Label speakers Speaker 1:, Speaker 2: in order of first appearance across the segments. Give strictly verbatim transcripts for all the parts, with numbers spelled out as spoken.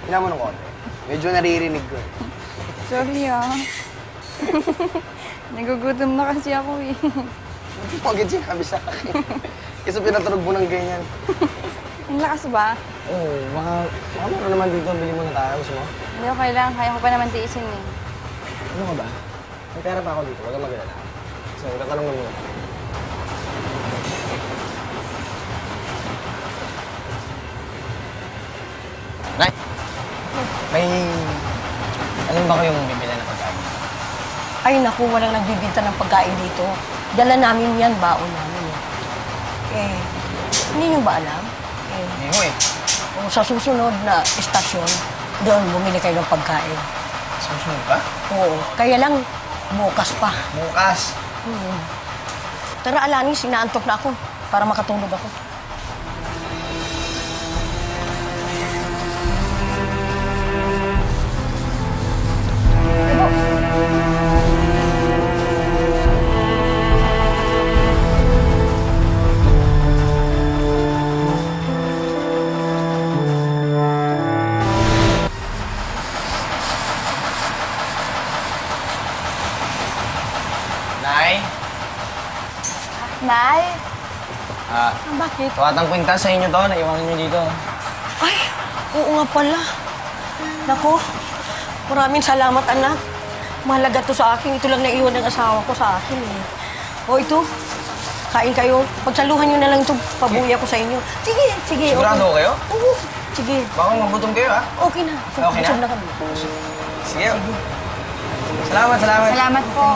Speaker 1: Tingnan mo ng konti. Medyo naririnig ko eh.
Speaker 2: Sorry ah. Nagugutom na kasi ako eh.
Speaker 1: Hindi mo agad sinabi sa akin. Kasi pinatunog mo ng ganyan.
Speaker 2: Ang lakas ba?
Speaker 1: Oo, oh, baka, baka meron naman dito. Bili mo na tayo. Gusto mo?
Speaker 2: Hindi okay lang. Kaya ko pa naman tiisin eh.
Speaker 1: Ano ka ba? May pera pa ako dito. Huwag kang mag-alala. So, tatanong mo muna. Nay! May... Alam ba kayong bibili na pagkain?
Speaker 3: Ay naku, walang nagbibinta ng pagkain dito. Dala namin yan, baon namin. Eh, hindi nyo ba alam? Eh,
Speaker 1: Hindi mo eh.
Speaker 3: kung sa susunod na istasyon, doon bumili kayo ng pagkain.
Speaker 1: Susunod pa?
Speaker 3: Oo, kaya lang bukas pa.
Speaker 1: Bukas.
Speaker 3: Hmm. Tara, Alanis, inaantok na ako para makatulog ako.
Speaker 1: Nay?
Speaker 2: Nay?
Speaker 1: Ah,
Speaker 3: Ah, bakit?
Speaker 1: tuwatang kwintas sa inyo to. Naiwanan nyo dito.
Speaker 3: Ay, oo nga pala. Naku, maraming salamat, anak. Mahalaga to sa akin. Ito lang naiwan ng asawa ko sa akin. Eh. O ito, kain kayo. Pagsaluhan nyo na lang ito, pabuya ko sa inyo. Sige, sige.
Speaker 1: Sigurado
Speaker 3: okay.
Speaker 1: kayo?
Speaker 3: Oo, sige.
Speaker 1: Baka magutom kayo, ha?
Speaker 3: Okay na.
Speaker 1: Okay na?
Speaker 3: Busog na kami.
Speaker 1: Sige. Salamat, salamat.
Speaker 2: Salamat po.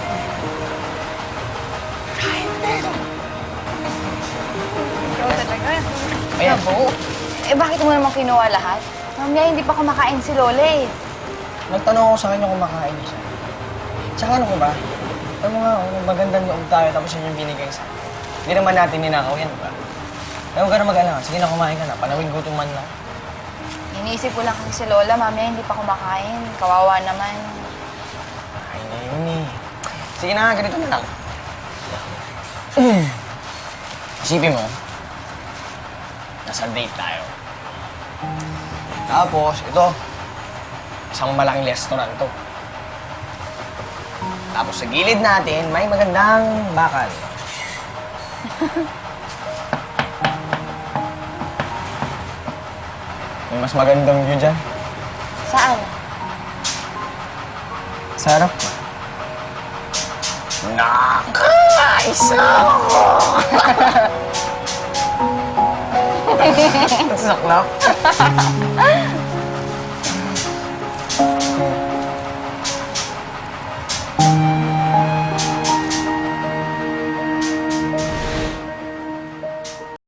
Speaker 2: Ikaw talaga.
Speaker 1: Ayan.
Speaker 2: Nabu. Eh bakit mo naman kinuha lahat? Mamaya hindi pa kumakain si Lola eh.
Speaker 1: Nagtanong ako sa kanya kung makain niya siya. Tsaka ano ko ba? Alam mo nga, oh, magandang loob tayo tapos yun yung binigay sa akin. Hindi naman natin ninakaw yan, di ba? Ayaw ka na mag-alala. Sige na, kumain ka na. Panawin gutom man lang.
Speaker 2: Iniisip ko lang kasi si Lola, mamaya hindi pa kumakain. Kawawa naman.
Speaker 1: Ay na yun eh. Sige na, ganito na lang. Isipin mo, nasa date tayo. Tapos, ito, isang malaking restaurant to. Tapos sa gilid natin, may magandang bakal. May mas magandang view dyan.
Speaker 2: Saan?
Speaker 1: Sa harap mo. Nakaisa ako! Saklap.